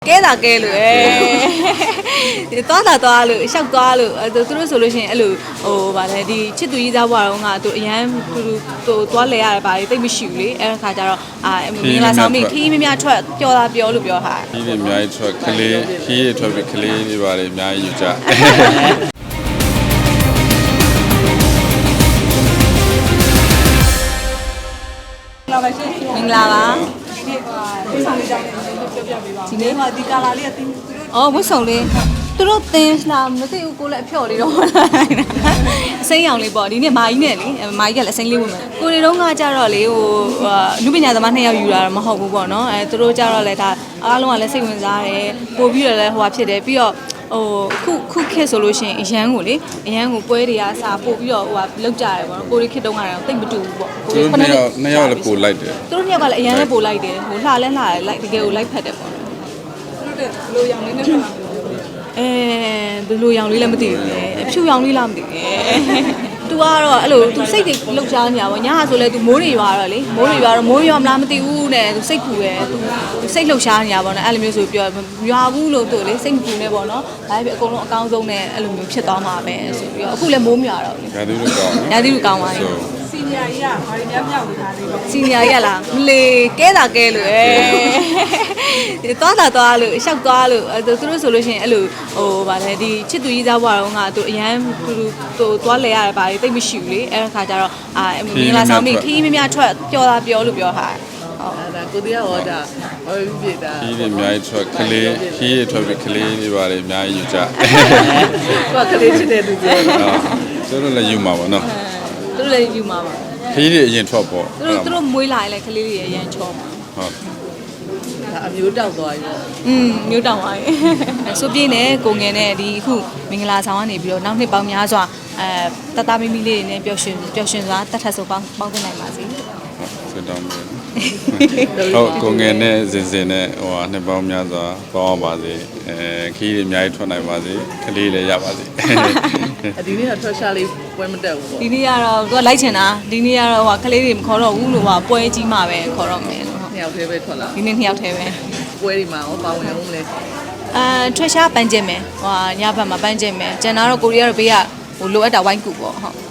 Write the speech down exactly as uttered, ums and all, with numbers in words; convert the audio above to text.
ကဲတာကဲလို့အဲသွားတာသွားလို့ရှောက်သွားလို့သူတို့ဆိုလို့ရှိရင်အဲ့လိုဟိုဗာလဲဒီချစ်သူကြီးသားဘွားတော့ကသူအရန်သူသူသွားလဲရတယ်ဗာလေတိတ်မရှိဘူးလေအဲ့ခါကျတော့အာမင်္ဂလာဆောင်မိခီးမများထွက်ပျော်တာပြောလို့ပြောထားခီးတွေအများကြီးထွက်ကလေးခီးတွေထွက်ပြီးကလေးတွေပါလေအများကြီးယူကြမင်္ဂလာပါဒီနေ့မှဒီကာလာလေးကတင်းအော်ဝတ်ဆောင်လေးသူတို့တင်းလာမသိဘူးကိုလည်းအဖျော်လေးတော့အစိမ်းရောင်လေးပေါ့ဒီနေ့မာကြီးနဲ့လေမာကြီးကလည်းအစိမ်းလေးဝင်မယ်ကိုတွေတော့ကကြတော့လေဟိုလူပညာသမားနှစ်ယောက်ယူတာတော့မဟုတ်ဘူးပေါ့နော်အဲသူတို့ကြတော့လေဒါအားလုံးကလည်းစိတ်ဝင်စားတယ်ပို့ပြီးတော့လည်းဟိုဟာဖြစ်တယ်ပြီးတော့ဟိုခုခုခက်ဆိုလို့ရှိရင်အရန်ကိုလေအရန်ကိုပွဲတွေကစားပို့ပြီးတော့ဟိုဟာလောက်ကြတယ်ပေါ့နော်ကိုရီခက်တုံးကတော့တိတ်မတူဘူးပေါ့ကိုရီနှစ်ယောက်နှစ်ယောက်လည်းပို့လိုက်တယ်သူတို့နှစ်ယောက်ကလည်းအရန်လည်းပို့လိုက်တယ်ဟိုလှလဲလှတယ်လိုက်တကယ်ကိုလိုက်ဖက်တယ်ပေါ့နော်သူတို့ဘယ်လိုရောင်လေးနဲ့ဖက်လာအဲဘယ်လိုရောင်လေးလည်းမသိဘူးလေအဖြူရောင်လေးလားမသိဘူးသူကတော့အဲ့လိုသူစိတ်တွေလှုပ်ရှားနေတာပေါ့ညာဆိုလဲသူမိုးတွေရွာတော့လေမိုးတွေရွာတော့မိုးရွာမလားမသိဘူးနဲ့သူစိတ်ပူတယ်သူစိတ်လှုပ်ရှားနေတာပေါ့နော်အဲ့လိုမျိုးဆိုပြောရွာဘူးလို့သူလေစိတ်မပူနဲ့ပေါ့နော်ဒါပေမဲ့အကုန်လုံးအကောင်းဆုံးနဲ့အဲ့လိုမျိုးဖြစ်သွားမှာပဲဆိုပြီးတော့အခုလည်းမိုးမရွာတော့လေရာသီဥတုကောင်းရာသီဥတုကောင်းပါပြီစီနီယာကြီးကဘာတွေများမြောက်နေတာလဲစီနီယာကြီးကလားမလေကဲတာကဲလို့အဲသွားတာသွားလို့ရှောက်သွားလို့သူတို့ဆိုလို့ရှိရင်အဲ့လိုဟိုဗာလဲဒီချစ်သူကြီးသားဘွားတော့ကသူအရန်သူသူသွားလဲရတယ်ဗာလေတိတ်မရှိဘူးလေအဲ့ခါကျတော့အာမင်္ဂလာဆောင်မိခီးမများထွက်ပျော်တာပြောလို့ပြောထားဟုတ်အဲ့ဒါကိုတရားဟောတာဟောပြပြတာခီးတွေအများကြီးထွက်ကလေးခီးတွေထွက်ပြီးကလေးတွေပါလေအများကြီးယူကြကိုကလေးချစ်တဲ့သူပြောသူတို့လည်းယူမှာပေါ့နော်သူတို့လည်းယူမှာပါခီးတွေအရင်ထွက်ပေါ့သူတို့သူတို့မွေးလာရင်လည်းကလေးတွေအရင်ချောမှာဟုတ်ဒါအမျိုးတောက်သွားပြီပေါ့อืมမျိုးတောက်သွားပြီဆိုပြင်းနဲ့ကိုငယ်နဲ့ဒီအခုမင်္ဂလာဆောင်ကနေပြီးတော့နောက်နှစ်ပေါင်းများစွာအဲတတမီမီလေးတွေနဲ့ပျော်ရွှင်ပျော်ရွှင်စွာတတ်ထပ်ဆိုပေါင်းပေါင်းသနိုင်ပါစေဟုတ်တောင်းမယ်ဟုတ်ကိုငယ်နဲ့စင်စင်နဲ့ဟိုဟာနှစ်ပေါင်းများစွာပေါင်းပါစေအဲခီးတွေအများကြီးထွက်နိုင်ပါစေကလေးလည်းရပါစေဒီနေ့ကထွက်ရှာလေးပွဲမတက်ဘူးပေါ့ဒီနေ့ကတော့သူကလိုက်ချင်တာဒီနေ့ကတော့ဟိုကလေးတွေမခေါ်တော့ဘူးလို့ဟိုပွဲကြီးမှပဲခေါ်တော့မယ်လို့နှစ်ယောက်တည်းပဲထွက်လာဒီနေ့နှစ်ယောက်တည်းပဲပွဲဒီမှာဟောပါဝင်အောင်မလဲအဲထွက်ရှားပန်းကျင်မယ်ဟိုညဘက်မှာပန်းကျင်မယ်ကျန်တာတော့ကိုရီးယားတော့ဘေးကဟိုလိုအပ်တာဝိုင်းကူပေါ့ဟုတ်